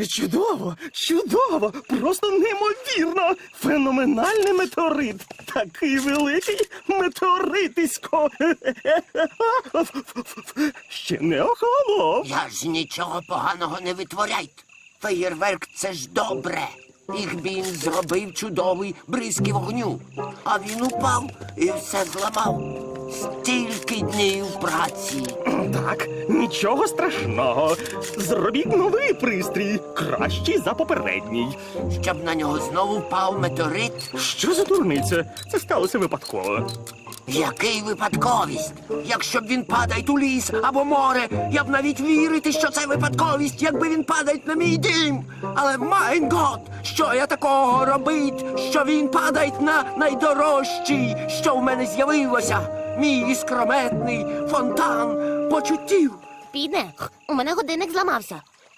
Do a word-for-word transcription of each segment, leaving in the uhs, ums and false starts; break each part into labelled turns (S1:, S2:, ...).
S1: Чудово, чудово, просто неймовірно. Феноменальний метеорит. Такий великий метеоритисько. Ще не охолонув.
S2: Я ж нічого поганого не витворяйте. Феєрверк – це ж добре. Їх він зробив чудовий бризки вогню. А він упав і все зламав. Стільки днів праці.
S1: Так, нічого страшного. Зробіть новий пристрій, кращий за попередній.
S2: Щоб на нього знову впав метеорит.
S1: Що за дурниця? Це сталося випадково.
S2: Який випадковість? Якщо б він падає у ліс або море, я б навіть вірити, що це випадковість, якби він падає на мій дім. Але, майн гот, що я такого робить, що він падає на найдорожчий, що в мене з'явилося? Мій іскрометний фонтан почуттів.
S3: Піде, у мене годинник зламався.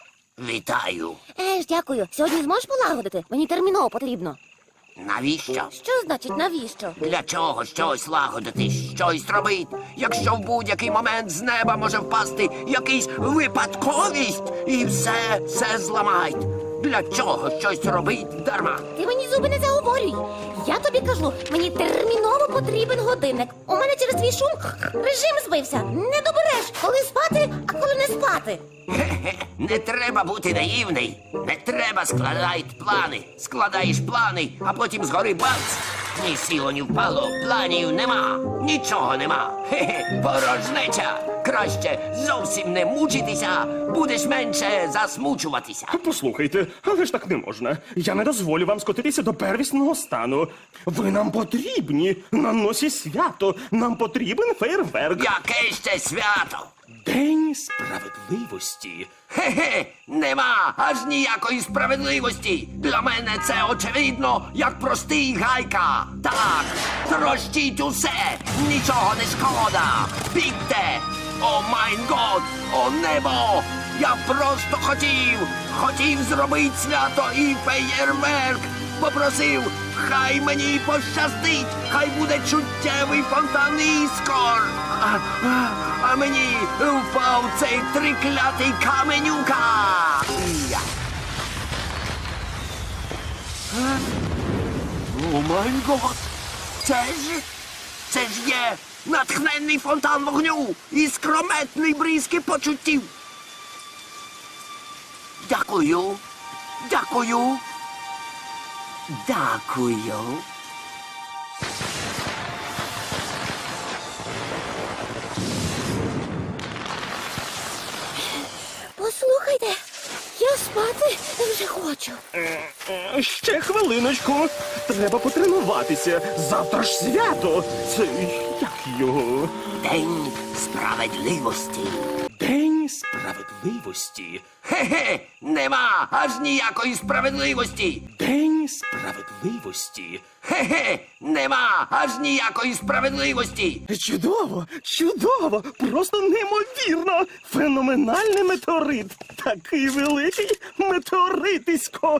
S2: Вітаю.
S3: Еж, дякую. Сьогодні зможеш полагодити? Мені терміново потрібно.
S2: Навіщо?
S3: Що значить навіщо?
S2: Для чого щось лагодити, щось робити, якщо в будь-який момент з неба може впасти якийсь випадковість і все, все зламають? Для чого щось робить дарма?
S3: Ти мені зуби не заговорюй. Я тобі кажу, мені терміново потрібен годинник. У мене через твій шум режим збився. Не добереш, коли спати, а коли не спати.
S2: Хе-хе, не треба бути наївний. Не треба складати плани. Складаєш плани, а потім згори бац. Ні сіло, ні впало, планів нема. Нічого нема. Хе-хе, порожнеча. Краще зовсім не мучитися, будеш менше засмучуватися.
S1: Послухайте, але ж так не можна. Я не дозволю вам скотитися до первісного стану. Ви нам потрібні. На носі свято. Нам потрібен фейерверк.
S2: Яке ще свято?
S1: День справедливості.
S2: Хе-хе, нема аж ніякої справедливості. Для мене це очевидно, як простий гайка. Так, трощіть усе, нічого не шкода. Бігте! О майн год, о небо! Я просто хотів, хотів зробити свято і феєрверк. Попросив, хай мені пощастить, хай буде чуттєвий фонтан іскор. А, а, а мені впав цей триклятий каменюка. Я. А? О май гот! Це ж, це ж є натхненний фонтан вогню і скрометний бризки почуттів. Дякую, дякую, дякую.
S3: Послухайте, я спати вже хочу.
S1: Е, Ще хвилиночку. Треба потренуватися. Завтра ж свято. Це як його?
S2: День справедливості.
S1: День справедливості.
S2: Хе-хе, нема аж ніякої справедливості.
S1: День справедливості.
S2: Хе-хе, нема аж ніякої справедливості.
S1: Чудово, чудово, просто неймовірно. Феноменальний метеорит. Такий великий метеоритисько.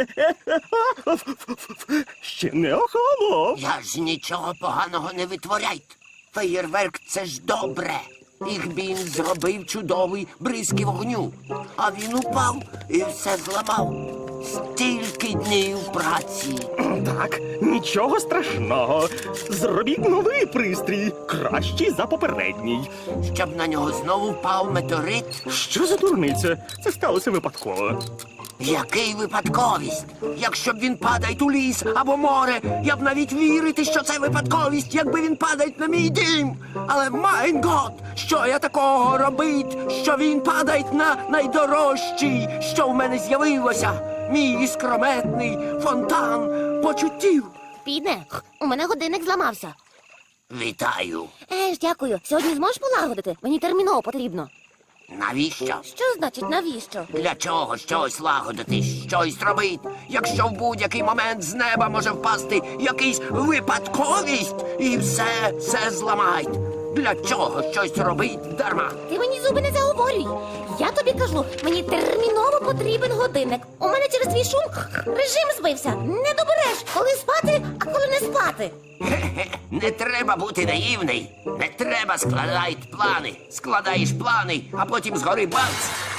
S1: Ще не охолонув.
S2: Я ж нічого поганого не витворяйте. Феєрверк – це ж добре. Їх він зробив чудовий бризки вогню. А він упав і все зламав. Стільки днів праці.
S1: Так, нічого страшного. Зробіть новий пристрій, кращий за попередній.
S2: Щоб на нього знову впав метеорит.
S1: Що за дурниця? Це сталося випадково.
S2: Який випадковість? Якщо б він падає у ліс або море, я б навіть вірити, що це випадковість, якби він падає на мій дім. Але, майн гот, що я такого робить, що він падає на найдорожчий, що в мене з'явилося? Мій іскрометний фонтан почуттів.
S3: Піде, у мене годинник зламався.
S2: Вітаю.
S3: Еж, дякую. Сьогодні зможеш полагодити? Мені терміново потрібно.
S2: Навіщо?
S3: Що значить навіщо?
S2: Для чого щось лагодити, щось робити, якщо в будь-який момент з неба може впасти якийсь випадковість і все, все зламають? Для чого щось робить дарма?
S3: Ти мені зуби не заговорюй. Я тобі кажу, мені терміново потрібен годинник. У мене через твій шум режим збився. Не добереш, коли спати, а коли не спати.
S2: Хе-хе, не треба бути наївний. Не треба складати плани. Складаєш плани, а потім згори бац.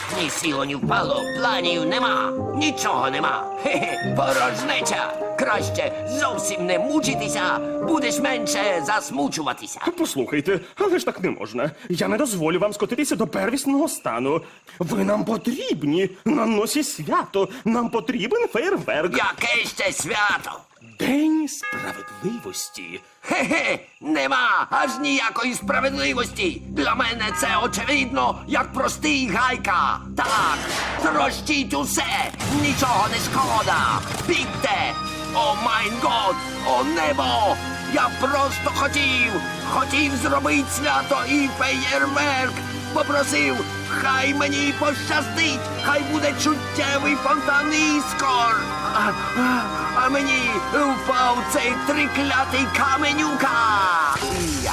S2: Ні сіло, ні впало, планів нема, нічого нема. Хе-хе, порожнеча. Краще зовсім не мучитися, будеш менше засмучуватися.
S1: Послухайте, але ж так не можна. Я не дозволю вам скотитися до первісного стану. Ви нам потрібні на носі свято. Нам потрібен фейерверк.
S2: Яке ще свято?
S1: День справедливості.
S2: Хе-хе, нема аж ніякої справедливості. Для мене це очевидно, як простий гайка. Так, трощіть усе, нічого не шкода. Бігте! О майн год, о небо! Я просто хотів, хотів зробити свято і феєрверк. Попросив, хай мені пощастить, хай буде чуттєвий фонтан іскор. А, а, а мені впав цей триклятий каменюка. Я.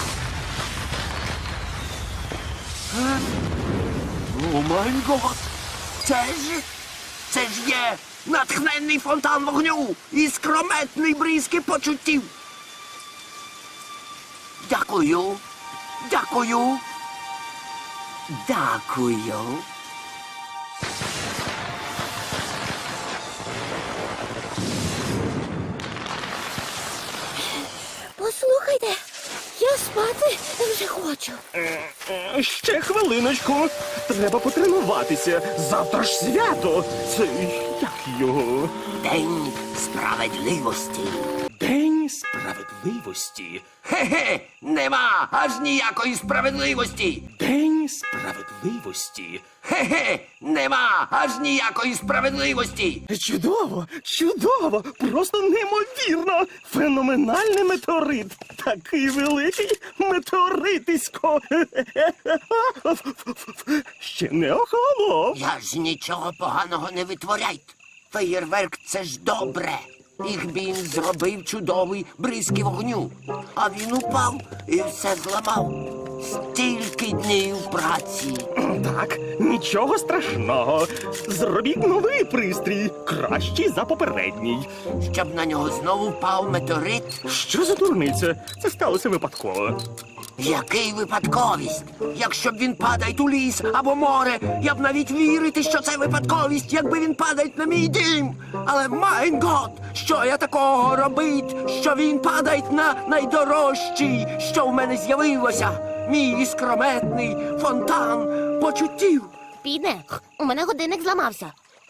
S2: Е? О май гот! Це ж, це ж є натхненний фонтан вогню і скрометний бризки почуттів. Дякую, дякую, дякую.
S3: Послухайте, я спати вже хочу.
S1: Е, Ще хвилиночку. Треба потренуватися. Завтра ж свято. Це як його?
S2: День справедливості.
S1: День справедливості.
S2: Хе-хе, нема аж ніякої справедливості.
S1: День справедливості.
S2: Хе-хе, нема аж ніякої справедливості.
S1: Чудово, чудово, просто неймовірно. Феноменальний метеорит. Такий великий метеоритисько. Ще не охолонув.
S2: Я ж нічого поганого не витворяйте. Феєрверк — це ж добре. Їх він зробив чудовий бризки вогню. А він упав і все зламав. Стільки днів праці.
S1: Так, нічого страшного. Зробіть новий пристрій, кращий за попередній.
S2: Щоб на нього знову впав метеорит.
S1: Що за дурниця? Це сталося випадково.
S2: Який випадковість? Якщо б він падає у ліс або море, я б навіть вірити, що це випадковість, якби він падає на мій дім. Але майн гот, що я такого робить, що він падає на найдорожчий, що в мене з'явилося. Мій іскрометний фонтан почуттів.
S3: Підне, у мене годинник зламався.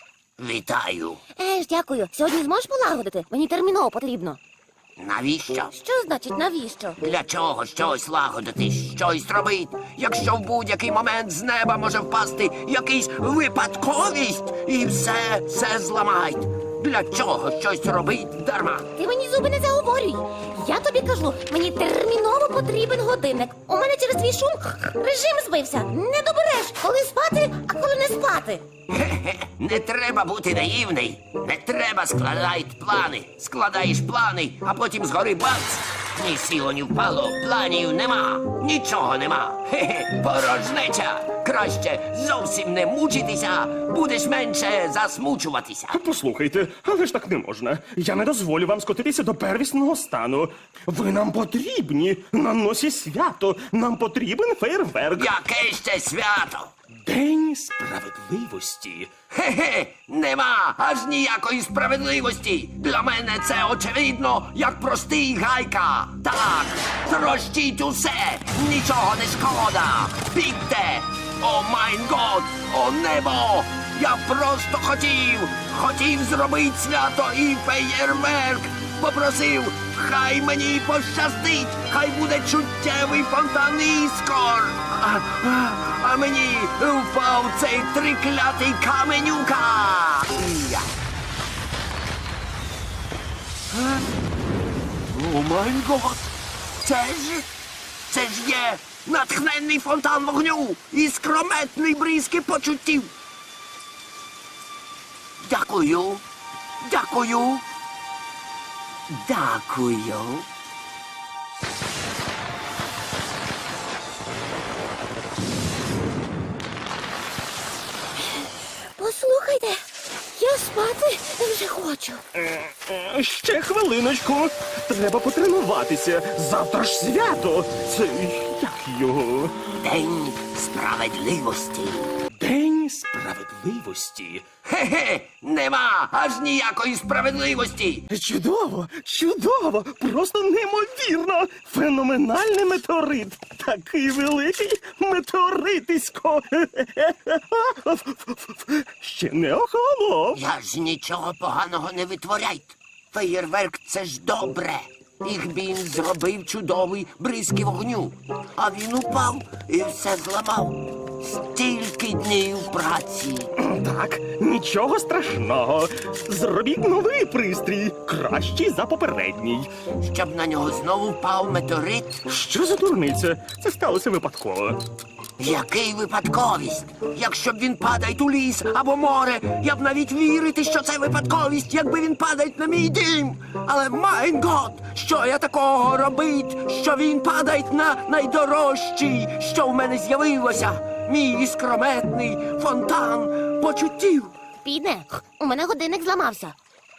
S2: Вітаю.
S3: Е ж, дякую. Сьогодні зможеш полагодити? Мені терміново потрібно.
S2: Навіщо?
S3: Що значить навіщо?
S2: Для чого щось лагодити, щось робить, якщо в будь-який момент з неба може впасти якийсь випадковість і все, все зламають. Для чого щось робить дарма?
S3: Ти мені зуби не заговорюй. Я тобі кажу, мені терміново потрібен годинник. У мене через твій шум режим збився. Не добереш, коли спати, а коли не спати.
S2: Хе-хе, не треба бути наївний. Не треба складати плани. Складаєш плани, а потім згори бац. Ні сіло, ні впало, планів нема, нічого нема. Хе-хе, порожнеча. Краще зовсім не мучитися, будеш менше засмучуватися.
S1: Послухайте, але ж так не можна. Я не дозволю вам скотитися до первісного стану. Ви нам потрібні на носі свято. Нам потрібен фейерверк.
S2: Яке ще свято?
S1: День справедливості.
S2: Хе-хе, нема аж ніякої справедливості. Для мене це очевидно, як простий гайка. Так, трощіть усе, нічого не шкода. Бігте! О майн год, о небо! Я просто хотів, хотів зробити свято і феєрверк. Попросив, хай мені пощастить, хай буде чуттєвий фонтан іскор. А, а, а мені впав цей триклятий каменюка. Я. Е? О май гот! Це ж, це ж є натхненний фонтан вогню і скрометний бризки почуттів. Дякую, дякую, дякую.
S3: Послухайте, я спати вже хочу.
S1: Е, Ще хвилиночку. Треба потренуватися. Завтра ж свято. Це як його?
S2: День справедливості.
S1: День
S2: Справедливості? Хе-хе, нема аж ніякої справедливості.
S1: Чудово, чудово, просто неймовірно. Феноменальний метеорит. Такий великий метеоритисько. Ще не охолонув.
S2: Я ж нічого поганого не витворяйте. Феєрверк — це ж добре. Їх він зробив чудовий бризки вогню. А він упав і все зламав. Стільки днів праці.
S1: Так, нічого страшного. Зробіть новий пристрій, кращий за попередній.
S2: Щоб на нього знову впав метеорит.
S1: Що за дурниця? Це сталося випадково.
S2: Який випадковість? Якщо б він падає у ліс або море, я б навіть вірити, що це випадковість, якби він падає на мій дім. Але, майн гот, що я такого робить, що він падає на найдорожчий, що в мене з'явилося? Мій іскрометний фонтан почуттів.
S3: Піде, у мене годинник зламався.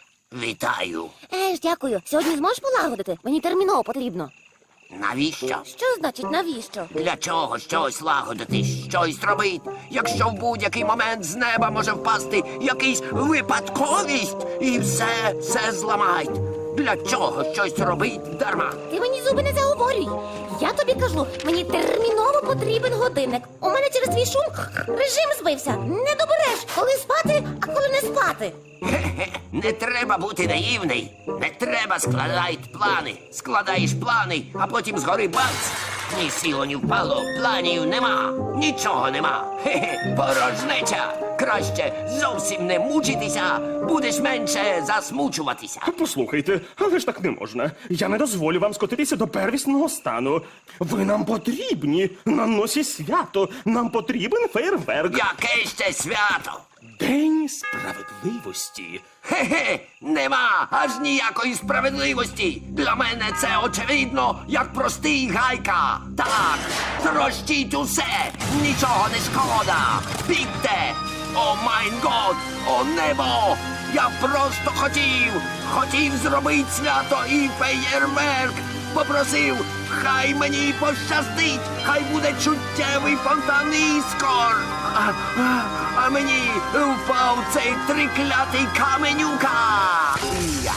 S2: Вітаю.
S3: Еж, дякую. Сьогодні зможеш полагодити? Мені терміново потрібно.
S2: Навіщо?
S3: Що значить навіщо?
S2: Для чого щось лагодити, щось робити, якщо в будь-який момент з неба може впасти якийсь випадковість і все, все зламають? Для чого щось робить дарма?
S3: Ти мені зуби не заговорюй. Я тобі кажу, мені терміново потрібен годинник. У мене через твій шум режим збився. Не добереш, коли спати, а коли не спати.
S2: Хе-хе, не треба бути наївний. Не треба складати плани. Складаєш плани, а потім згори бац. Ні сіло, ні впало, планів нема. Нічого нема. Хе-хе, порожнеча. Краще зовсім не мучитися, будеш менше засмучуватися.
S1: Послухайте, але ж так не можна. Я не дозволю вам скотитися до первісного стану. Ви нам потрібні на носі свято. Нам потрібен фейерверк.
S2: Яке ще свято?
S1: День справедливості.
S2: Хе-хе, нема аж ніякої справедливості. Для мене це очевидно, як простий гайка. Так, трощіть усе, нічого не шкода. Бігте! О майн год, о небо! Я просто хотів, хотів зробити свято і феєрверк. Попросив, хай мені пощастить, хай буде чуттєвий фонтан іскор. А, а, а мені впав цей триклятий каменюка. Я.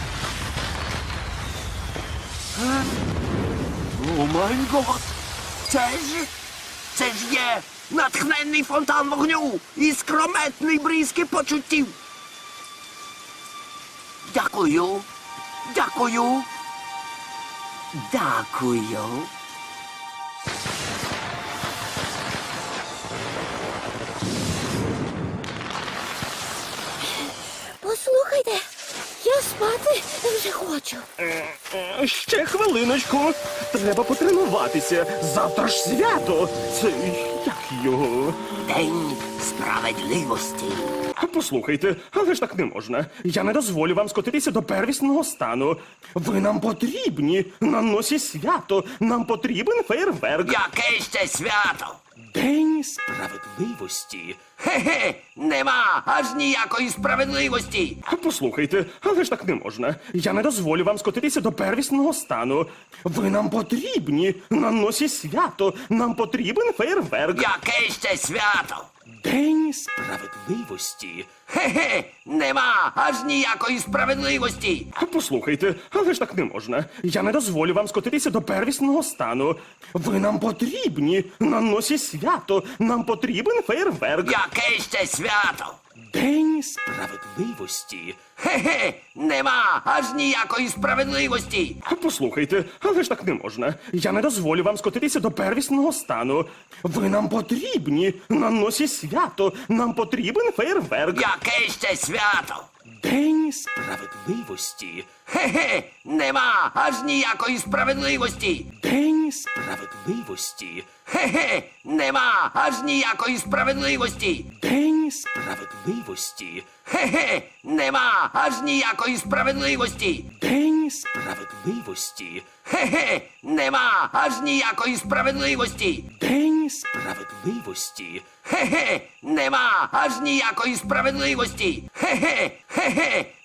S2: А? О май гот! Це ж, це ж є натхненний фонтан вогню і скрометний бризки почуттів. Дякую, дякую. Дякую.
S3: Послухайте, я спати вже хочу.
S1: Е, Ще хвилиночку. Треба потренуватися. Завтра ж свято. Це як його?
S2: День справедливості.
S1: Послухайте, але ж так не можна. Я не дозволю вам скотитися до первісного стану. Ви нам потрібні на носі свято. Нам потрібен фейерверк.
S2: Яке ще свято?
S1: День справедливості.
S2: Хе-хе, нема аж ніякої справедливості.
S1: Послухайте, але ж так не можна. Я не дозволю вам скотитися до первісного стану. Ви нам потрібні на носі свято. Нам потрібен фейерверк.
S2: Яке ще свято?
S1: День справедливості.
S2: Хе-хе, нема аж ніякої справедливості.
S1: Послухайте, але ж так не можна. Я не дозволю вам скотитися до первісного стану. Ви нам потрібні на носі свято. Нам потрібен фейерверк.
S2: Яке ще свято?
S1: День справедливості.
S2: Хе-хе, нема аж ніякої справедливості.
S1: Послухайте, але ж так не можна. Я не дозволю вам скотитися до первісного стану. Ви нам потрібні на носі свято. Нам потрібен фейерверк.
S2: Яке ще свято?
S1: День справедливості.
S2: Хе-хе, нема аж ніякої справедливості.
S1: День справедливості.
S2: Хе-хе, нема аж ніякої справедливості.
S1: День справедливості.
S2: Хе-хе, нема аж ніякої справедливості.
S1: День справедливості.
S2: Хе-хе, нема аж ніякої справедливості.
S1: День справедливості.
S2: Хе-хе, нема аж ніякої справедливості. Хе-хе, хе-хе,